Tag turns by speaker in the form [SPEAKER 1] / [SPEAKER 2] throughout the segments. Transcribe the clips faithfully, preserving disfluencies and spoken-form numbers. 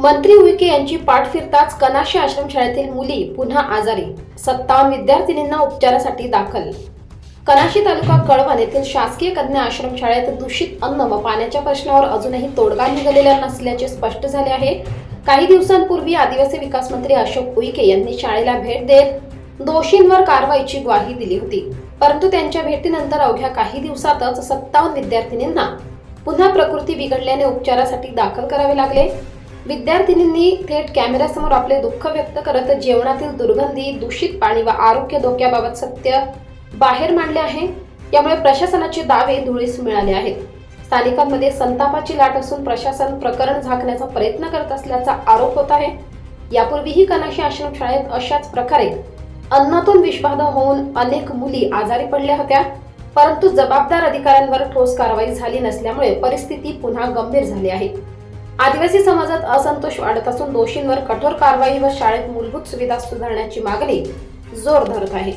[SPEAKER 1] मंत्री उईके यांची पाठ फिरताच कनाशी आश्रमशाळेतील मुली पुन्हा आजारी. सत्तावन्न विद्यार्थिनींना उपचारासाठी दाखल. कनाशी तालुका कळवण येथील शासकीय कन्या आश्रमशाळेत दूषित अन्न व पाण्याच्या प्रश्नावर अजूनही तोडगा निघालेला नसल्याचे स्पष्ट झाले आहे. काही दिवसांपूर्वी आदिवासी विकास मंत्री अशोक उईके यांनी शाळेला भेट देत दोषींवर कारवाईची ग्वाही दिली होती. परंतु त्यांच्या भेटीनंतर अवघ्या काही दिवसातच सत्तावन्न विद्यार्थिनींना पुन्हा प्रकृती बिघडल्याने उपचारासाठी दाखल करावे लागले. विद्यार्थिनींनी थेट कॅमेऱ्यासमोर आपले दुःख व्यक्त करत जेवणातील दुर्गंधी, दूषित पाणी व आरोग्य धोक्याबाबत सत्य बाहेर मांडले आहे. यामुळे प्रशासनाचे दावे धुळीस मिळाले आहेत. स्थानिकांमध्ये संतापाची लाट असून प्रशासन प्रकरण झाकण्याचा प्रयत्न करत असल्याचा आरोप होत आहे. यापूर्वीही कनाशी आश्रमशाळेत अशाच प्रकारे अन्नातून विषबाधा होऊन अनेक मुली आजारी पडल्या होत्या. परंतु जबाबदार अधिकाऱ्यांवर ठोस कारवाई झाली नसल्यामुळे परिस्थिती पुन्हा गंभीर झाली आहे. आदिवासी समाजात असंतोष वाढत असून दोषींवर कठोर कारवाई व शाळेत मूलभूत सुविधा सुधारण्याची मागणी जोर धरत आहे.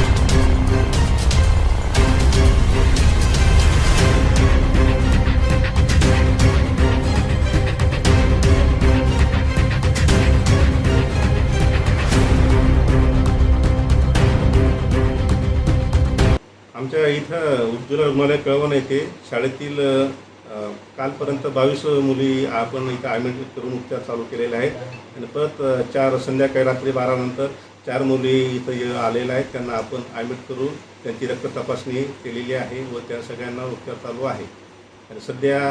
[SPEAKER 2] आमच्या इथं उज्ज्वला रुग्णालय कळवण येथे शाळेतील कालपर्यंत बावीस मुली आपण इथं ॲडमिट करून उपचार चालू केलेले आहेत. आणि परत चार संध्याकाळी रात्री बारा नंतर चार मुली इथं आलेल्या आहेत. त्यांना आपण ॲडमिट करून त्यांची रक्त तपासणी केलेली आहे व त्या सगळ्यांना उपचार चालू आहे. आणि सध्या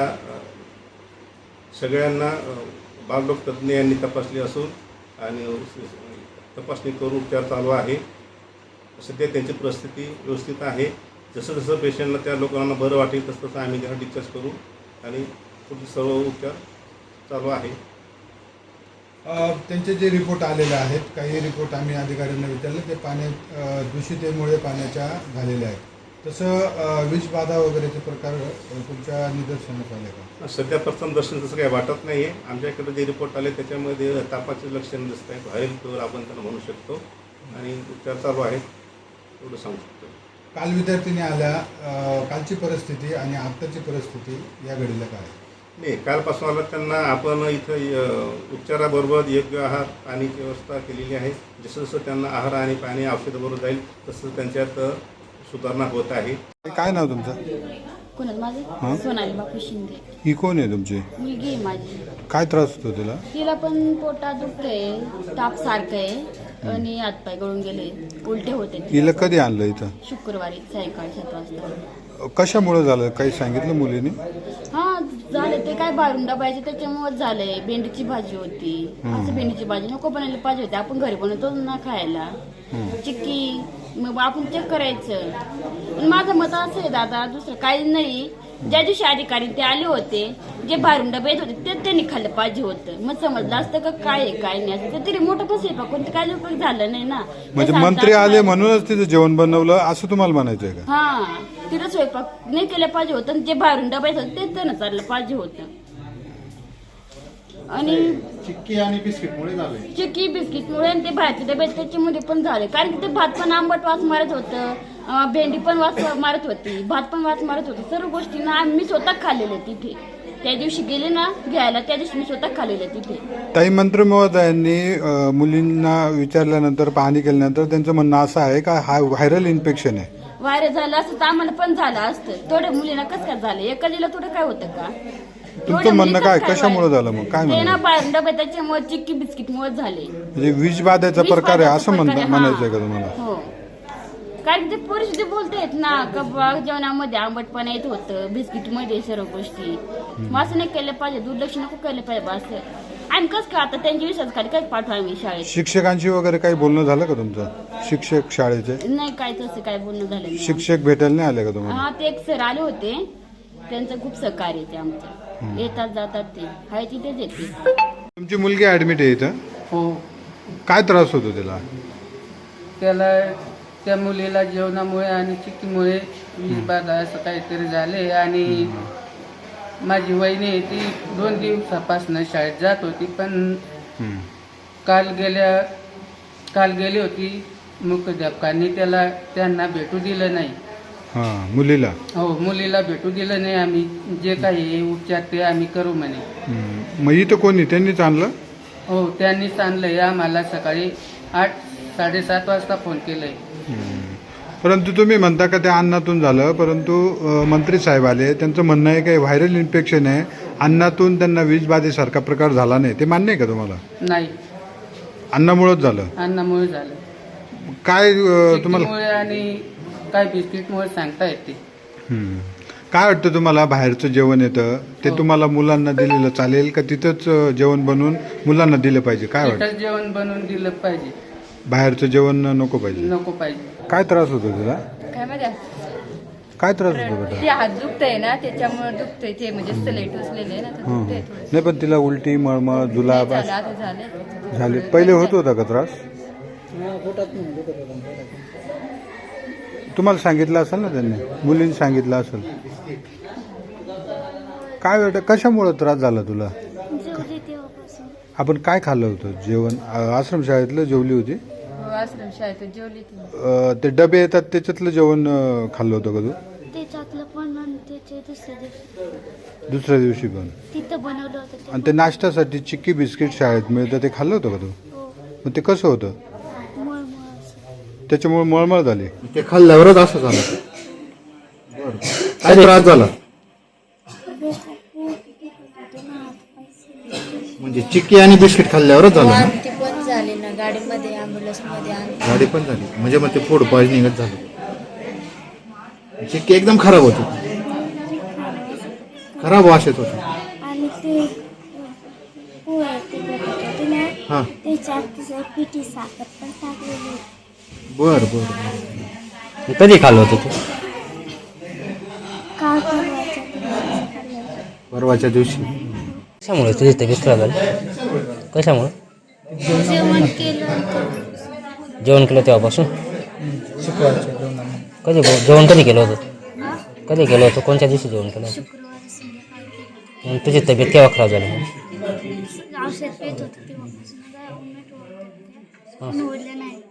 [SPEAKER 2] सगळ्यांना बालरोग तज्ज्ञ यांनी तपासली असून आणि तपासणी करून उपचार चालू आहे. सध्या त्यांची परिस्थिती व्यवस्थित आहे. जसं जसं पेशंटला त्या लोकांना बरं वाटेल तसं तसं आम्ही त्यांना डिस्चार्ज करू आणि पुढचे सर्व उपचार चालू आहे.
[SPEAKER 3] त्यांचे जे रिपोर्ट आलेले आहेत, काही रिपोर्ट आम्ही अधिकाऱ्यांना विचारले, ते पाण्या दूषितेमुळे पाण्याच्या झालेले आहेत. तसं विषबाधा वगैरेचे प्रकार तुमच्या निदर्शनास आले का?
[SPEAKER 2] सध्या प्रथम दर्शन तसं काही वाटत नाही आहे. आमच्याकडे जे रिपोर्ट आले त्याच्यामध्ये तापाचे लक्षण दिसत आहेत. व्हायरल फिवर आपण त्यांना म्हणू शकतो आणि उपचार चालू आहेत एवढं सांगू शकतो.
[SPEAKER 3] काल विद्यार्थिनी आल्या, कालची परिस्थिती आणि आत्ताची परिस्थिती या घडीला काय?
[SPEAKER 2] नाही, कालपासून आलं त्यांना आपण इथं उपचाराबरोबर योग्य आहार पाण्याची व्यवस्था केलेली आहे. जसं जसं त्यांना आहार आणि पाणी औषधाबरोबर जाईल तसं त्यांच्यात सुधारणा होत आहे.
[SPEAKER 3] काय नाव तुमचं?
[SPEAKER 4] कोणाचं माझं? सोनाली बापू शिंदे.
[SPEAKER 3] ही कोण आहे तुमची?
[SPEAKER 4] मुलगी आहे माझी.
[SPEAKER 3] काय त्रास होतो तिला?
[SPEAKER 4] तिला पण पोटात दुखतंय, ताप सारखं आहे आणि हातपाय गळून गेले, उलटे होते.
[SPEAKER 3] हिला कधी आणलं इथं?
[SPEAKER 4] शुक्रवारी सायंकाळी सात वाजता.
[SPEAKER 3] कशामुळे झालं काही सांगितलं मुलीने?
[SPEAKER 4] हा झालं ते काय बाहेरून डबायचे त्याच्यामुळे झालंय. भेंडीची भाजी होती, असं भेंडीची भाजी नको बनायला पाहिजे होती. आपण घरी बनवतो ना खायला. चिक्की मग आपण चेक करायचं. पण माझं मत असं आहे दादा, दुसरं काही नाही. ज्या दिवशी अधिकारी ते आले होते, जे बाहेरून डबे येत होते ते त्यांनी खाल्लं पाहिजे होतं. मग समजलं असतं का काय आहे काय नाही असं. तरी मोठं पण स्वयंपाक कोणतं काय उपयोग झालं नाही ना.
[SPEAKER 3] म्हणजे मंत्री आले म्हणूनच तिचं जेवण बनवलं असं तुम्हाला म्हणायचंय का?
[SPEAKER 4] हा, तिथं स्वयंपाक नाही केलं पाहिजे होतं. जे बाहेरून डबा येत होते ते त्यांना चाललं पाहिजे होतं. आणि
[SPEAKER 3] चिक्की आणि बिस्किटमुळे झाले.
[SPEAKER 4] चिक्की बिस्किटमुळे आणि ते बाहेरचे डबे त्याच्यामध्ये पण झाले. कारण की ते भात पण आंबट वास मारत होतं, भेंडी पण वास मारत होती, भात पण वास मारत होती. सर्व गोष्टी ना मी स्वतः खाल्लेल्या तिथे. त्या दिवशी गेले ना घ्यायला, त्या दिवशी मी स्वतः खाल्लेल्या तिथे.
[SPEAKER 3] ताई, मंत्री महोदयांनी मुलींना विचारल्यानंतर पाहणी केल्यानंतर त्यांचं म्हणणं असं आहे का हा व्हायरल इन्फेक्शन आहे.
[SPEAKER 4] व्हायरल झालं असतं तर आम्हाला पण झालं असतं. थोड्या मुलींना कसं काय झालं? एखादीला थोडं काय होतं का?
[SPEAKER 3] तुमचं म्हणणं काय, कशामुळे झालं मग काय
[SPEAKER 4] ते ना
[SPEAKER 3] म्हणणं?
[SPEAKER 4] बाहेरून डबे त्याच्यामुळे चिक्की बिस्किटमुळे झाले.
[SPEAKER 3] म्हणजे विषबाधेचा प्रकार आहे असं म्हणणं म्हणायचंय का तुम्हाला?
[SPEAKER 4] हो, कारण ते परिस्थिती बोलतायत ना का जेवणामध्ये आंबटपणा येत होतं, बिस्किट मध्ये सर्व गोष्टी. मग असं नाही केलं पाहिजे, दुर्लक्ष नको केलं पाहिजे. असं आम्ही कसं का आता त्यांच्या विश्वास खाली काय पाठवा आम्ही शाळेत?
[SPEAKER 3] शिक्षकांशी वगैरे काही बोलणं झालं का तुमचं? शिक्षक शाळेचे
[SPEAKER 4] नाही, काय तसं काय बोलणं झालं नाही.
[SPEAKER 3] शिक्षक भेटायला नाही आले का तुम्हाला?
[SPEAKER 4] हा, ते एक सर आले होते, त्यांचं खूप सहकार्य ते आमचं. येतात जातात ते हाय तिथेच येते.
[SPEAKER 3] तुमची मुलगी ऍडमिट आहे इथं?
[SPEAKER 5] हो,
[SPEAKER 3] काय त्रास होतो तिला?
[SPEAKER 5] त्याला त्या मुलीला जेवणामुळे आणि चिक्कीमुळे विषबाधा असं काहीतरी झाले. आणि माझी वहिनी ती दोन दिवसापासून शाळेत जात होती, पण काल गेल्या काल गेली होती मुख्याध्यापकांनी त्याला त्यांना भेटू दिलं नाही.
[SPEAKER 3] हां, मुलीला?
[SPEAKER 5] हो, मुलीला भेटू दिलं नाही. आम्ही जे काही उपचार ते आम्ही करू म्हणे.
[SPEAKER 3] मग इथं कोणी त्यांनीच आणलं?
[SPEAKER 5] हो त्यांनीच आणलंय आम्हाला सकाळी आठ साडेसात वाजता फोन केलंय.
[SPEAKER 3] परंतु तुम्ही म्हणता का त्या अन्नातून झालं, परंतु अ, मंत्री साहेब आले, त्यांचं म्हणणं आहे की व्हायरल इन्फेक्शन आहे, अन्नातून त्यांना विषबाधेसारखा प्रकार झाला नाही. ते मान्य आहे का तुम्हाला?
[SPEAKER 5] नाही,
[SPEAKER 3] अन्नामुळेच झालं.
[SPEAKER 5] अन्नामुळे झालं.
[SPEAKER 3] काय अ, तुम्हाला
[SPEAKER 5] चिक्कीमुळे आणि काय बिस्किटमुळे सांगता येते.
[SPEAKER 3] हम्म. काय वाटतं तुम्हाला? बाहेरचं जेवण येतं ते तुम्हाला मुलांना दिलेलं चालेल का तिथंच अ, जेवण बनवून मुलांना दिलं पाहिजे? काय वाटतं?
[SPEAKER 5] तिथंच जेवण बनवून दिलं पाहिजे,
[SPEAKER 3] बाहेरचं जेवण नको पाहिजे?
[SPEAKER 5] नको पाहिजे.
[SPEAKER 3] काय त्रास होतो तुला?
[SPEAKER 6] काय माहिती
[SPEAKER 3] काय त्रास होतो बेटा?
[SPEAKER 6] ते हात दुखतंय ना त्याच्यामुळे दुखतंय ते म्हणजे सलाईट उचलेले आहे ना तर
[SPEAKER 3] हं.
[SPEAKER 6] दुखतंय थोडं.
[SPEAKER 3] नाही, पण तिला उलटी, मळमळ, जुलाब
[SPEAKER 6] झालं आता झालं
[SPEAKER 3] झाले. पहिले होत होता का त्रास? तुम्हाला सांगितलं असेल ना त्यांनी, मुलींनी सांगितलं असेल. काय बेटा, कशामुळे त्रास झाला तुला?
[SPEAKER 7] जेवली तेव्हापासून
[SPEAKER 3] आपण काय खाल्लं होतं जेवण? आ- आश्रमशाळेतलं जेवली होती?
[SPEAKER 6] हो, आश्रम शाळेत जेवली ती.
[SPEAKER 3] अ, ते डबे येतात त्याच्यातलं जेवण अ, खाल्लं होतं का तू?
[SPEAKER 7] त्याच्यातलं पण आणि त्याचे दुसऱ्या दिवशी
[SPEAKER 3] दुसऱ्या दिवशी पण?
[SPEAKER 7] तिथं बनवलं होतं ते.
[SPEAKER 3] आणि ते नाश्त्यासाठी चिक्की बिस्किट शाळेत मिळतं ते खाल्लं होतं का तू?
[SPEAKER 7] हो,
[SPEAKER 3] मग ते कसं होतं?
[SPEAKER 7] मळमळ असं.
[SPEAKER 3] त्याच्यामुळे मळमळ झाली.
[SPEAKER 8] ते खाल्ल्यावरच असं झालं. काय त्रास झाला? म्हणजे चिक्की आणि बिस्किट खाल्ल्यावरच झालं ना?
[SPEAKER 7] ती पण झाली ना गाडीमध्ये ॲम्ब्युलन्समध्ये आणि
[SPEAKER 8] गाडी पण झाली म्हणजे मग ते फूड पॉइझनिंगच झालं. चिक्की एकदम खराब होती, खराब वास येत होता.
[SPEAKER 7] आणि ते पोळ्या ते बनवत होते ना
[SPEAKER 8] हां,
[SPEAKER 7] त्याच्यात तिचं पिठी साखर पण टाकलेली.
[SPEAKER 8] बर बर.
[SPEAKER 9] कधी खाल्लं होतं तू?
[SPEAKER 7] काल परवाच्या दिवशी खाल्लं.
[SPEAKER 8] परवाच्या दिवशी.
[SPEAKER 9] कशामुळे तुझी तब्येत खराब झाली? कशामुळे?
[SPEAKER 7] जेवण केलं होतं.
[SPEAKER 9] जेवण केलं तेव्हापासून? कधी जेवण कधी केलं होतं? कधी केलं होतं? कोणत्या दिवशी जेवण केलं होतं?
[SPEAKER 7] शुक्रवारी संध्याकाळी
[SPEAKER 9] मग तुझी तब्येत केव्हा खराब झाली?
[SPEAKER 7] औषध पेत होतं तेव्हापासून काय उन्हाट होतं. पण उरलं नाही.